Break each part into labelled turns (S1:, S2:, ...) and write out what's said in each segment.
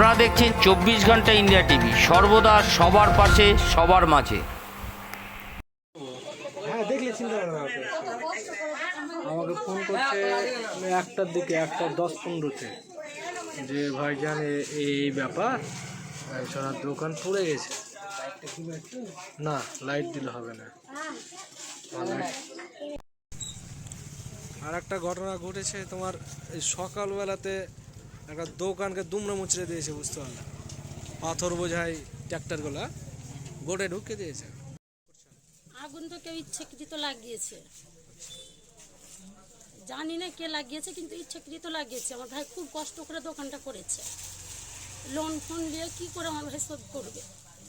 S1: আপনারা দেখছেন 24 ঘন্টা ইন্ডিয়া টিভি, সর্বদা সবার পাশে সবার মাঝে।
S2: হ্যাঁ দেখলে চিন্তা করে আমাকে ফোন করছে 1টার দিকে, 1:10-15-তে, যে ভাইজান এই ব্যাপার, সারা দোকান পড়ে গেছে। না, লাইট দিলে হবে না। আর একটা ঘটনা ঘটেছে তোমার, এই সকালবেলাতে একটা দোকানকে দুমড়ে মুচড়ে দিয়েছে, বুঝতে পারলাম। পাথর বোঝাই ট্র্যাক্টরগুলা বোটে ঢুকে দিয়েছে।
S3: আগুন তো কেউ ইচ্ছাকৃত লাগিয়েছে, জানি না কে লাগিয়েছে, কিন্তু ইচ্ছাকৃত লাগিয়েছে। আমার ভাই খুব কষ্ট করে দোকানটা করেছে, লোন ফোন নিয়ে কি করে আমার ভাই শোধ করবে?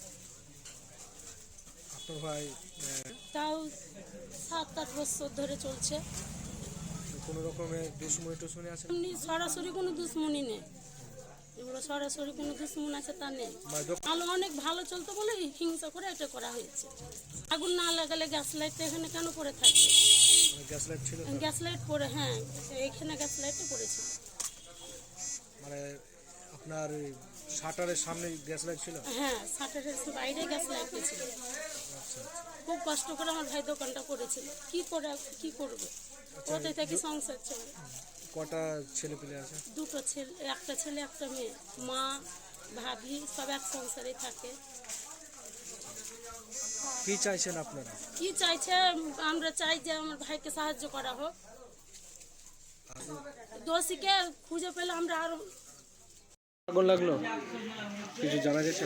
S2: আপনার ভাই
S3: তাও 7-8 বছর ধরে চলছে।
S2: কোনো রকমের দুশ্মনী আছে?
S3: এমনি সরাসরি কোনো দুশ্মনী নেই, এগুলো সরাসরি কোনো দুশ্মন আছে তা নেই। আলো অনেক ভালো চলতো বলে হিংসা করে এটা করা হয়েছে। আগুন না লাগালে গ্যাস লাইটটা এখানে কেন পড়ে থাকবে?
S2: গ্যাস লাইট ছিল,
S3: গ্যাস লাইট পড়ে, হ্যাঁ এখানে গ্যাস লাইটটা পড়েছিল।
S2: মানে আপনার শাটারের সামনে গ্যাস লাইট ছিল?
S3: হ্যাঁ, শাটারের বাইরে গ্যাস লাইট ছিল। খুব কষ্ট করে আমার ভাই দোকানটা করেছিল, কি করবে? ওতে থেকে সংসার চলে।
S2: কটা ছেলে পেলে আছে?
S3: 2টো ছেলে, একটা ছেলে একটা মেয়ে। মা ভাবি সব এক সংসারে থাকে।
S2: কি চাইছেন আপনারা?
S3: কি চাইছে? আমরা চাই যে আমার ভাইকে সাহায্য করা হোক, দোষীকে খুঁজে পেলে আমরা আরো।
S2: আগুন লাগলো কিছু জানা গেছে?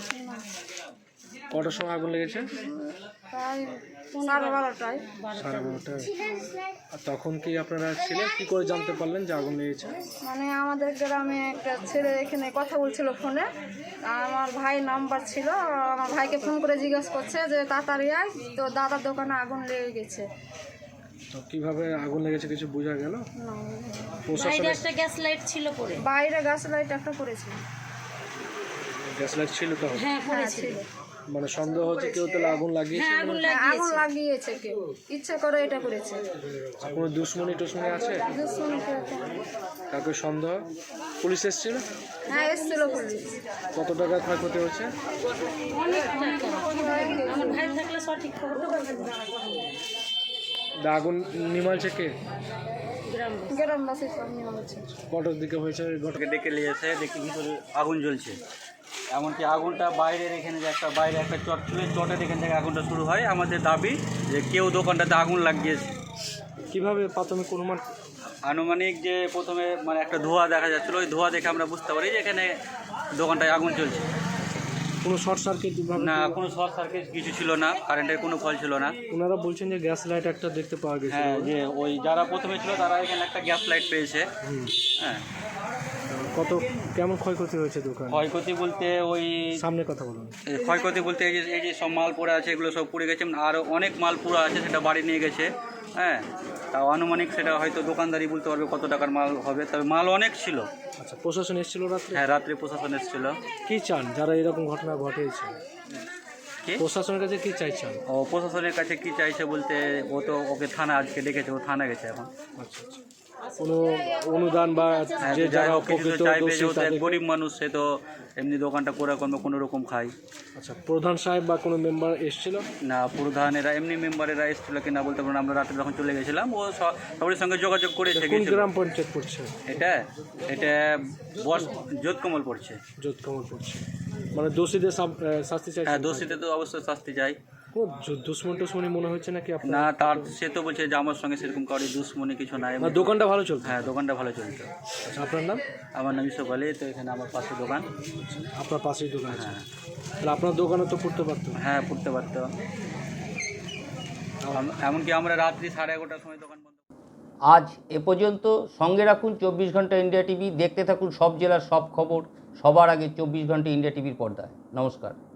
S2: কটার সময় আগুন লেগেছে?
S4: প্রায় 12:30টায়।
S2: 12:30টায়। আর তখন কি আপনারা ছিলেন? কি করে জানতে পারলেন যে আগুন লেগেছে?
S4: মানে আমাদের গ্রামে একটা ছেলে এখানে কথা বলছিল ফোনে, আমার ভাই নাম্বার ছিল, আমার ভাইকে ফোন করে জিজ্ঞেস করছে যে তাড়াতাড়ি আয়, তো দাদার দোকানে আগুন লেগে গেছে।
S2: তো কিভাবে আগুন লেগেছে কিছু বোঝা গেল?
S3: বাইরে একটা গ্যাস লাইট ছিল পড়ে।
S4: বাইরে গ্যাস লাইট একটা পড়েছিল।
S2: গ্যাস লাইট ছিল তো?
S3: হ্যাঁ পড়েছিল।
S2: মানে সন্দেহ হচ্ছে কেউ তাহলে আগুন লাগিয়েছে?
S4: আগুন লাগিয়েছে কেউ, ইচ্ছা করে এটা করেছে।
S2: কোনো দুশ্মনী টুশ্মনী আছে?
S4: দুশ্মনী কেউ তো।
S2: কাউকে সন্দেহ? পুলিশ এসেছিল?
S4: হ্যাঁ এসেছিল পুলিশ।
S2: কত টাকা ক্ষয়ক্ষতি হচ্ছে?
S3: অনেক টাকা। আমার ভাই থাকলে সঠিক খবর
S2: আগুন নিমালছে কে?
S4: গ্রামবাসী সব নিয়ে হচ্ছে।
S2: কটার দিকে হয়েছে ঘটনা?
S5: ডেকে নিয়ে এসে দেখি ভিতরে আগুন জ্বলছে। এমনকি আগুনটা বাইরের এখানে যে বাইরে একটা চট ছিল, চটের এখান থেকে আগুনটা শুরু হয়। আমাদের দাবি যে কেউ দোকানটাতে আগুন লাগিয়েছে।
S2: কিভাবে প্রাথমিক অনুমান?
S5: আনুমানিক যে প্রথমে মানে একটা ধোঁয়া দেখা যাচ্ছিলো, ওই ধোঁয়া দেখে আমরা বুঝতে পারি যে এখানে দোকানটায় আগুন চলছে।
S2: কোনো শর্ট সার্কিট?
S5: না, কোনো শর্ট সার্কিট কিছু ছিল না, কারেন্টের কোনো ফল ছিল না।
S2: ওনারা বলছেন যে গ্যাস লাইট একটা দেখতে পাওয়া গেছে।
S5: হ্যাঁ, যে ওই যারা প্রথমে ছিল তারা এখানে একটা গ্যাস লাইট পেয়েছে। হ্যাঁ।
S2: কত কেমন ক্ষয়ক্ষতি হয়েছে দোকান?
S5: ক্ষয়ক্ষতি বলতে ওই
S2: সামনে কথা বলুন।
S5: ক্ষয়ক্ষতি বলতে এই যে সব মাল পড়ে আছে, এগুলো সব পুড়ে গেছে। আর অনেক মাল পুরো আছে, সেটা বাড়ি নিয়ে গেছে। হ্যাঁ, তাও আনুমানিক সেটা হয়তো দোকানদারি বলতে পারবে কত টাকার মাল হবে, তবে মাল অনেক ছিল।
S2: আচ্ছা, প্রশাসন এসেছিল রাত্রে?
S5: হ্যাঁ, রাত্রে প্রশাসন এসেছিল।
S2: কি চান যারা এরকম ঘটনা ঘটেছে?
S5: কি
S2: প্রশাসনের কাছে কি চাইছেন?
S5: ও প্রশাসনের কাছে কি চাইছে বলতে, ও তো ওকে থানা আজকে ডেকেছে, ও থানা গেছে এখন।
S2: আচ্ছা আচ্ছা, কোনো অনুদান বা যে যারা উপকৃত
S5: চাইবে,
S2: দোষী
S5: যেহেতু এক
S2: তাদের?
S5: গরিব মানুষ, সে তো এমনি দোকানটা করে কোনো রকম খায়।
S2: আচ্ছা, প্রধান সাহেব বা কোনো মেম্বার এসেছিল?
S5: না, প্রধানেরা এমনি মেম্বারেরা এসেছিল কিনা বলতে পারবো না। আমরা রাত্রে যখন চলে গেছিলাম, ও সবার সঙ্গে যোগাযোগ করেছে।
S2: কোন গ্রাম পঞ্চায়েত পড়ছে
S5: এটা বস যোধকমল পড়ছে।
S2: যোধকমল পড়ছে। মানে দোষীদের শাস্তি চাই?
S5: হ্যাঁ, দোষীদের তো অবশ্যই শাস্তি চাই।
S2: দুশ্মন টুশ্মনী মনে হচ্ছে নাকি আপনার?
S5: না, তার সে তো বলছে যে আমার সঙ্গে সেরকম কারোর দুশ্মনী কিছু নাই।
S2: দোকানটা ভালো চলছে?
S5: হ্যাঁ, দোকানটা ভালো চলছে।
S2: আচ্ছা, আপনার নাম?
S5: আমার নাম ইসব আলী। তো এখানে আমার পাশে দোকান।
S2: আপনার পাশেই দোকান আছে?
S5: হ্যাঁ।
S2: তাহলে আপনার দোকানে তো পড়তে পারতো?
S5: হ্যাঁ, পড়তে পারতো। এমনকি আমরা রাত্রি 11:30টার সময় দোকান বন্ধ।
S1: আজ এ পর্যন্ত। সঙ্গে রাখুন 24 ঘন্টা ইন্ডিয়া টিভি। দেখতে থাকুন সব জেলার সব খবর সবার আগে 24 ঘন্টা ইন্ডিয়া টিভির পর্দায়। নমস্কার।